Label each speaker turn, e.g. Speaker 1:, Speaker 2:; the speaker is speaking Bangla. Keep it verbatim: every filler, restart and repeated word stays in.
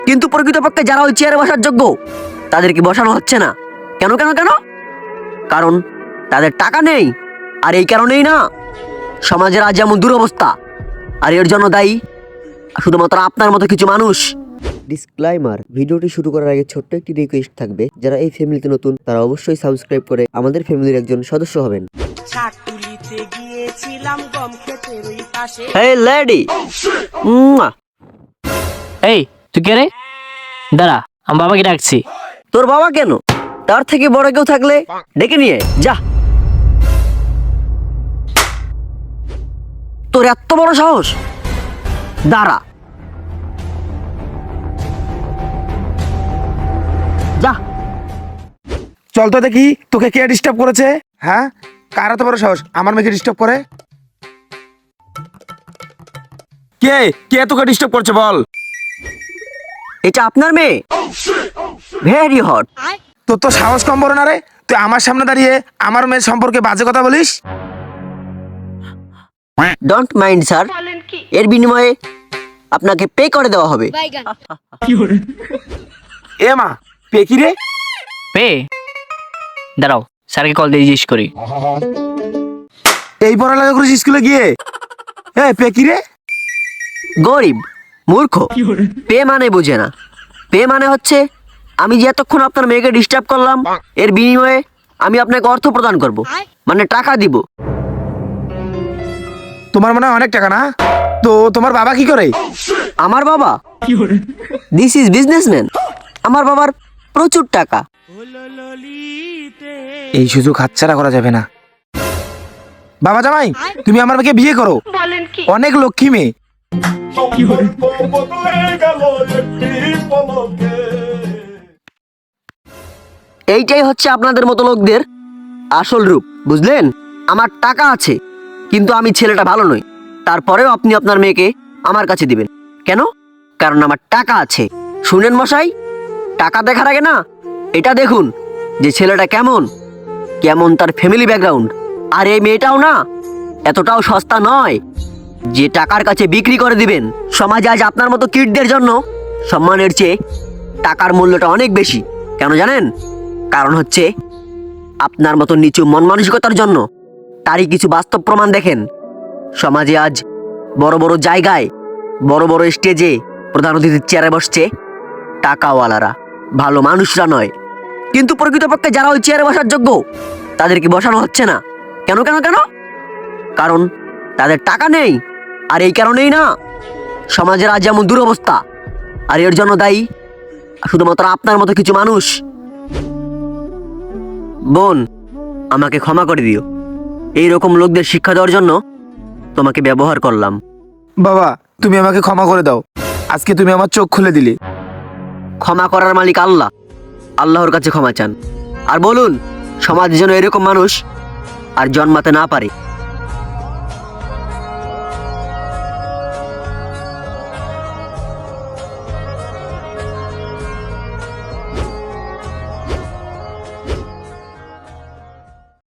Speaker 1: কিন্তু প্রকৃতপক্ষে যারা ওই চেয়ারে বসার যোগ্য তাদেরকে বসানো হচ্ছে না। কেন কেন কেন? কারণ তাদের টাকা নেই। আর এই কারণেই না সমাজের আজ যেমন দুরবস্থা। আর এর জন্য দায়ী শুধুমাত্র আপনার মতো কিছু মানুষ। ডিসক্লাইমার, ভিডিওটি শুরু করার আগে ছোট্ট একটি রিকোয়েস্ট থাকবে, যারা এই ফ্যামিলিতে নতুন তারা অবশ্যই সাবস্ক্রাইব করে আমাদের ফ্যামিলির একজন সদস্য হবেন। এই লেডি,
Speaker 2: এই তুই কে রে? দাঁড়া, আমি বাবাকে ডাকছি।
Speaker 1: তোর বাবা কেন? তার থেকে বড় কেউ থাকলে ডেকে নিয়ে যা। তোর এত বড় সাহস? দাঁড়া, যা।
Speaker 3: চল তো দেখি তোকে কে ডিস্টার্ব করেছে। হ্যাঁ, কার এত বড় সাহস আমার মেয়েকে ডিস্টার্ব করে? কে কে তোকে ডিস্টার্ব করছে বল?
Speaker 1: এটা আপনার মেয়ে? Very hot.
Speaker 3: তোর তো সাহস কম বড় না রে, তুই আমার সামনে দাঁড়িয়ে আমার মেয়ের সম্পর্কে বাজে কথা বলিস।
Speaker 1: ডোন্ট মাইন্ড স্যার, এর বিনিময়ে আপনাকে পে করে দেওয়া হবে।
Speaker 3: এ মা, পে কি রে?
Speaker 2: পে? দাঁড়াও, স্যারকে কল দিয়ে জিজ্ঞেস করি।
Speaker 3: এই পড়ালেখা করিস স্কুলে গিয়ে? এ পে কি রে?
Speaker 1: গরিব মূর্খ, পে মানে বোঝে না। পে মানে হচ্ছে আমি যে এতক্ষণ আপনার মেয়েকে ডিস্টার্ব করলাম এর বিনিময়ে আমি আপনাকে অর্থ প্রদান করব, মানে টাকা দিব।
Speaker 3: তোমার মনে হয় অনেক টাকা না? তো তোমার বাবা কি করে?
Speaker 1: আমার বাবা দিস ইজ বিজনেসম্যান। আমার বাবার প্রচুর টাকা।
Speaker 3: এই সুযোগ হাতছাড়া করা যাবে না। বাবা জামাই, তুমি আমার মেয়েকে বিয়ে করো, অনেক লক্ষ্মী মেয়ে।
Speaker 1: এইটাই হচ্ছে আপনাদের মতো লোকদের আসল রূপ, বুঝলেন? আমার টাকা আছে কিন্তু আমি ছেলেটা ভালো নই, তারপরেও আপনি আপনার মেয়েকে আমার কাছে দিবেন কেন? কারণ আমার টাকা আছে। শুনেন মশাই, টাকা দেখার আগে না এটা দেখুন যে ছেলেটা কেমন, কেমন তার ফ্যামিলি ব্যাকগ্রাউন্ড। আর এই মেয়েটাও না এতটাও সস্তা নয় যে টাকার কাছে বিক্রি করে দিবেন। সমাজে আজ আপনার মতো কিডদের জন্য সম্মানের চেয়ে টাকার মূল্যটা অনেক বেশি। কেন জানেন? কারণ হচ্ছে আপনার মতো নিচু মন মানসিকতার জন্য। তারই কিছু বাস্তব প্রমাণ দেখেন। সমাজে আজ বড় বড় জায়গায়, বড় বড় স্টেজে প্রধান অতিথির চেয়ারে বসছে টাকাওয়ালারা, ভালো মানুষরা নয়। কিন্তু প্রকৃতপক্ষে যারা ওই চেয়ারে বসার যোগ্য তাদেরকে বসানো হচ্ছে না। কেন কেন কেন? কারণ তাদের টাকা নেই। আর এই কারণেই না সমাজের আজ যেমন দুরবস্থা। আর এর জন্য দায়ী শুধুমাত্র আপনার মতো কিছু মানুষ। বোন, আমাকে ক্ষমা করে দিও। এই রকম লোকদের শিক্ষা দেওয়ার জন্য তোমাকে ব্যবহার করলাম।
Speaker 3: বাবা, তুমি আমাকে ক্ষমা করে দাও, আজকে তুমি আমার চোখ খুলে দিলে।
Speaker 1: ক্ষমা করার মালিক আল্লাহ, আল্লাহর কাছে ক্ষমা চান আর বলুন সমাজ যেন এরকম মানুষ আর জন্মাতে না পারে।